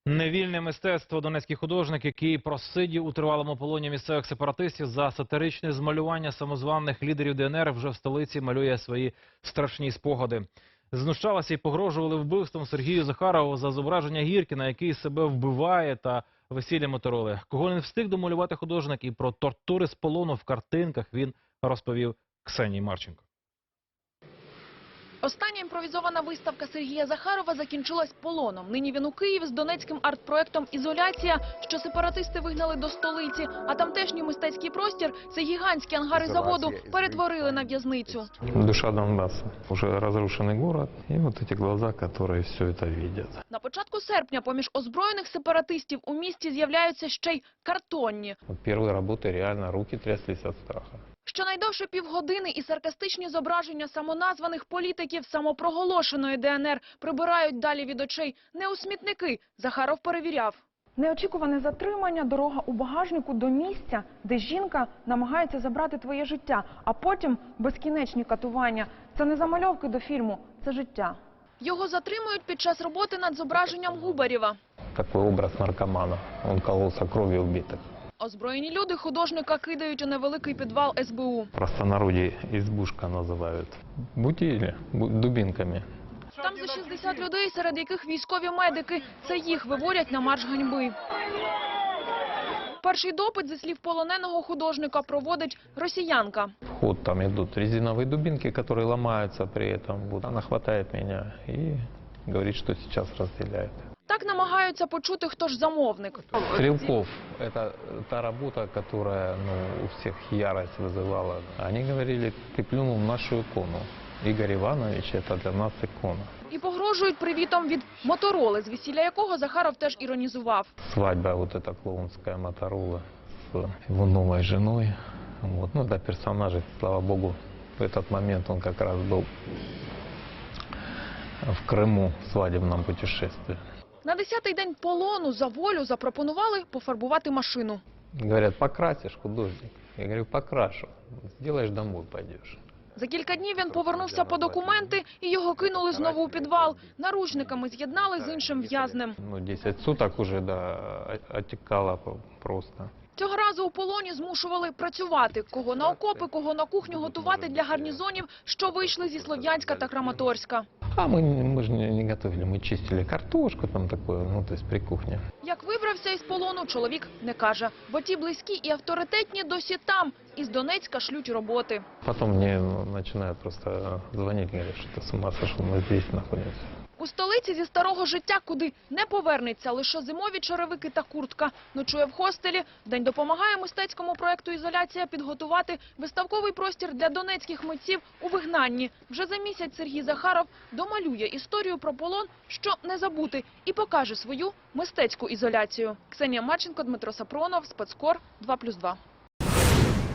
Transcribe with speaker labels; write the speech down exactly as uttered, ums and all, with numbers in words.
Speaker 1: Невільне мистецтво. Донецький художник, який просидів у тривалому полоні місцевих сепаратистів за сатиричне змалювання самозваних лідерів Де Ен Ер, вже в столиці малює свої страшні спогади. Знущалися і погрожували вбивством Сергію Захарову за зображення Гіркіна, який себе вбиває, та весілля Мотороли. Кого не встиг домалювати художник, і про тортури з полону в картинках він розповів Ксенії Марченко.
Speaker 2: Остання імпровізована виставка Сергія Захарова закінчилась полоном. Нині він у Києві з донецьким арт-проектом «Ізоляція», що сепаратисти вигнали до столиці. А тамтешній мистецький простір – це гігантські ангари заводу – перетворили на в'язницю.
Speaker 3: Душа Донбасса. Уже разрушенный город. И вот эти глаза, которые все это видят.
Speaker 2: На початку серпня поміж озброєних сепаратистів у місті з'являються ще й картонні.
Speaker 3: Вот первые работы реально руки тряслись от страха.
Speaker 2: Щонайдовше півгодини і саркастичні зображення самоназваних політиків самопроголошеної Де Ен Ер прибирають далі від очей не у смітники. Захаров перевіряв.
Speaker 4: Неочікуване затримання, дорога у багажнику до місця, де жінка намагається забрати твоє життя, а потім безкінечні катування. Це не замальовки до фільму, це життя.
Speaker 2: Його затримують під час роботи над зображенням Губарєва.
Speaker 3: Такой образ наркомана. Он кололся кровью убитых.
Speaker 2: Озброєні люди художника кидають у невеликий підвал Ес Бе У.
Speaker 3: В простонародье избушка называют. Бутили бу- дубинками.
Speaker 2: Там за шістдесят людей, серед яких військові медики. Це їх виводять на марш ганьби. Перший допит, зі слів полоненого художника, проводить росіянка.
Speaker 3: В ход там идут резиновые дубинки, которые ломаются при этом. Вот она хватает меня и говорит, что сейчас разделяет.
Speaker 2: Так намагаються почути, хто ж замовник.
Speaker 3: Стрелков – это та работа, которая ну, у всех ярость вызывала. Они говорили, ты плюнул в нашу икону. Игорь Иванович – это для нас икона.
Speaker 2: І погрожують привітом від Мотороли, з весілля якого Захаров теж іронізував.
Speaker 3: Свадьба вот эта клоунская Моторола с его новой женой. Вот. Ну, это персонажи, слава богу, в этот момент он как раз был в Крыму в свадебном путешествии.
Speaker 2: На десятий день полону за волю запропонували пофарбувати машину.
Speaker 3: Говорят, покрасишь, художник? Я говорю, покрашу. Сделаешь, домой пойдешь.
Speaker 2: За кілька днів він повернувся по документи і його кинули знову у підвал. Наручниками з'єднали з іншим в'язнем.
Speaker 3: Ну, десять суток уже, да, отекало просто.
Speaker 2: Цього разу у полоні змушували працювати. Кого на окопи, кого на кухню готувати для гарнізонів, що вийшли зі Слов'янська та Краматорська.
Speaker 3: А мы, мы же не, не готовили, мы чистили картошку там такое, ну, то есть при кухне.
Speaker 2: Як вибрався із полону, чоловік не каже. Бо ті близькі і авторитетні досі там. Із Донецька шлють роботи.
Speaker 3: Потом мне ну, начинают просто звонить, говорят, что ты с ума сошел, мы здесь находимся.
Speaker 2: У столиці зі старого життя, куди не повернеться лише зимові черевики та куртка. Ночує в хостелі. День допомагає мистецькому проєкту «Ізоляція» підготувати виставковий простір для донецьких митців у вигнанні. Вже за місяць Сергій Захаров домалює історію про полон, що не забути, і покаже свою мистецьку ізоляцію. Ксенія Марченко, Дмитро Сапронов, Спецкор, два плюс два.